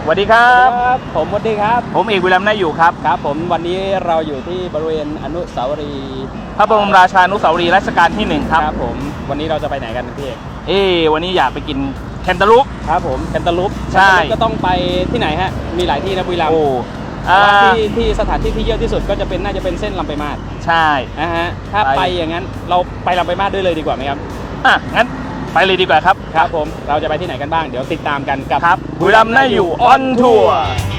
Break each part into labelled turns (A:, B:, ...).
A: วัสดีครับ
B: ผมสวัสดีครับ
A: ผมเอกวิลัมน่าอยู่ครับ
B: ครับผมวันนี้เราอยู่ที่บริเวณอนุสาวรีย์
A: พระบรมราชานุสาวรีย์รัชกาลที่1ครับ
B: ผมวันนี้เราจะไปไหนกันพี่เอก
A: วันนี้อยากไปกินแคนตาลูป
B: ครับผมแคนตาลูป
A: ใช่
B: ก็ต้องไปที่ไหนฮะมีหลายที่นะบุรีรัมย์ที่สถานที่ที่เยอะที่สุดก็จะเป็นน่าจะเป็นเส้นลำไปมาศ
A: ใช่
B: ถ้าไปอย่างนั้นเราไปลำไปมาศด้วยเลยดีกว่าไหมครับ
A: งั้นไปเลยดีกว่าครับ
B: ครับผมเราจะไปที่ไหนกันบ้างเดี๋ยวติดตามกันกับ
A: บุรีรัมย์น่าอยู่ออนทัวร์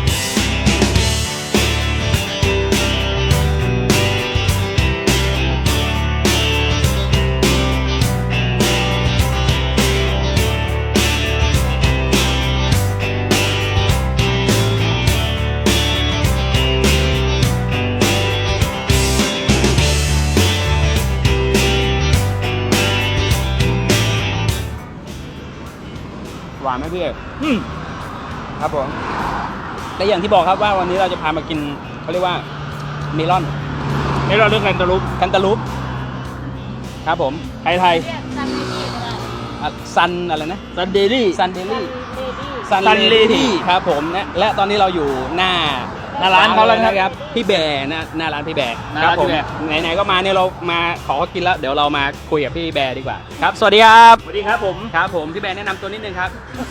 B: หวานไหมพี่เอกครับผมและอย่างที่บอกครับว่าวันนี้เราจะพามากินเขาเรียกว่าเมลอน
A: เรื่องแคนตาลูป
B: ครับผมไทยซันอะไรนะ
A: ซันเดลี่
B: ซันเลดี้ครับผมและตอนนี้เราอยู่หน้า
A: ร้านเขาแล้ว
B: นะครับพี่แบร์หน้าร้านพี่แบร์ครับผมไหนๆก็มาเนี่ยเรามาขอกินแล้วเดี๋ยวเรามาคุยกับพี่แบร์ดีกว่าครับสวัสดีครับผมพี่แบร์แนะนำตัวนิดนึงครับ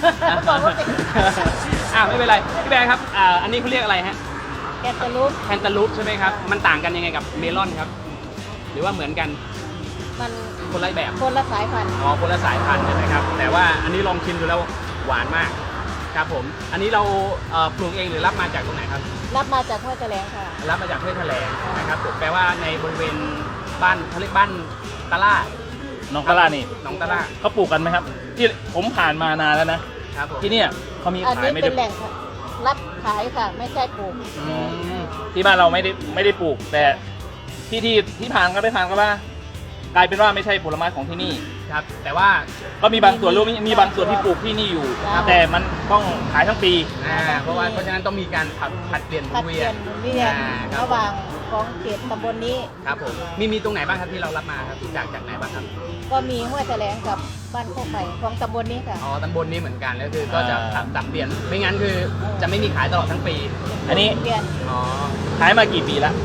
B: ไม่เป็นไรพี่แบร์ครับอันนี้เขาเรียกอะไรฮะ
C: แคนตาลูป
B: ใช่ไหมครับมันต่างกันยังไงกับเมลอนครับหรือว่าเหมือนกัน
C: มัน
B: คนละแบบ
C: คนละสายพันธุ์
B: คนละสายพันธุ์ใช่ไหมครับแต่ว่าอันนี้ลองชิมดูแล้วหวานมากครับผมอันนี้เราปลูกเองหรือรับมาจากตรงไหนครับ
C: รับมาจากห้วยแถลงค่ะ
B: รับมาจากห้วยแถลงนะครับผมแปลว่าในบริเวณบ้านเขาเรียกบ้านตะล่า
A: น้องตะล่านี่
B: น้องตะล่า
A: เขาปลูกกันไหมครับที่ผมผ่านมานานแล้วนะครับที่เนี่ยเขามีขายไม่ได้
C: เป็นแหล่งรับขายค่ะไม่ใช่ปลูก
A: ที่บ้านเราไม่ได้ปลูกแต่ที่ผ่านก็ได้ผ่านก็ว่ากลายเป็นว่าไม่ใช่ผลไม้ของที่นี่
B: ครับแต่ว่า
A: ก็มีบางส่วนมีบางส่วนที่ปลูกที่นี่อยู่แต่มันต้องขายทั้งปี
B: เพราะฉะนั้นต้องมีการผัดเปลี่ยนเวียน
C: ระหว่างของเขตตำบลนี้
B: ครับผมมีตรงไหนบ้างครับที่เรารับมาครับจากไหนบ้างครับ
C: ก็มีห้วยแถลงกับบ้านโคกใหม่ของตำบลนี้ค่ะ
B: ตำบลนี้เหมือนกันแล้วคือก็จะสับเปลี่ยนไม่งั้นคือจะไม่มีขายตลอดทั้งปี
A: อันนี้
C: เปลี่ยน
A: ขายมากี่ปีแล้ว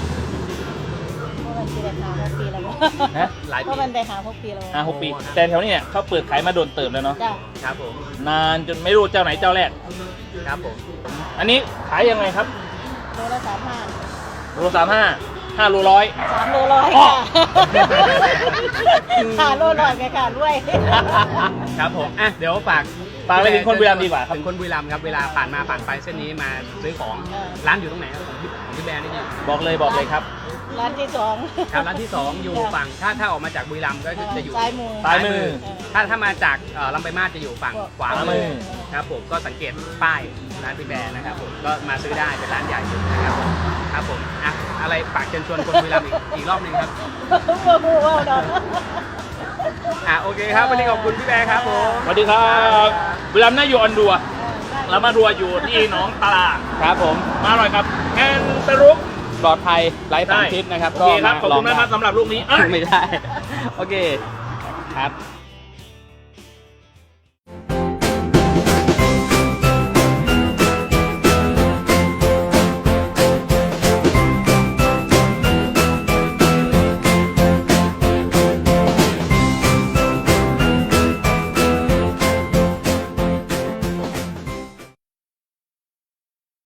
C: ปีแล้ว
B: หลายปี
C: เพราะมันได้6 ปีแล้ว
A: 6 ปีแต่แถวนี้เนี่ยเขาเปิดขายมาโดนเติมแล้วเนาะ
B: ครับผม
A: นานจนไม่รู้เจ้าไหนเจ้าแรก
B: ครับผม
A: อันนี้ขายยังไงครับ
C: โลละ35
A: โล35 5 โล100
C: 3 โล100ค่ะ5 โล100ไงค่ะด้วย
B: ครับผมเดี๋ยวฝาก
A: ไปถึงคนบุรีรัมย์ดีกว่าครับ
B: ถึงคนบุรีรัมย์ครับเวลาผ่านไปเส้นนี้มาซื้อของร้านอยู่ตรงไหนครับของพี่แบร์นี่
A: บอกเลยครับ
C: ร้านที่2
B: ครับร้านที่2อยู่ฝั่งถ้าออกมาจากบุรีรัมย์ก็จะอยู่
C: ซ้าย
A: มือ
B: ถ้ามาจากลำปางมาศจะอยู่ฝั่งขวามือครับผมก็สังเกตป้ายร้านพี่แบร์นะครับผมก็มาซื้อได้เป็นร้านใหญ่นะครับครับผมอะไรฝากเชิญชวนคนบุรีรัมย์อีกรอบนึงครับโอเคครับวันนี้ขอบคุณพี่แบร์ครับผม
A: สวัสดีครับบุรีรัมย์น่าอยู่ออนดัวแล้วมาดัวอยู่ที่หนองตลาด
B: ครับผม
A: มาอร่อยครับแอนเปรุก
B: ปลอดภัยไร้สารพิษนะครับ
A: ก็ขอบคุณนะครับสำหรับลูกนี้
B: ไม่ได้โอเคครับ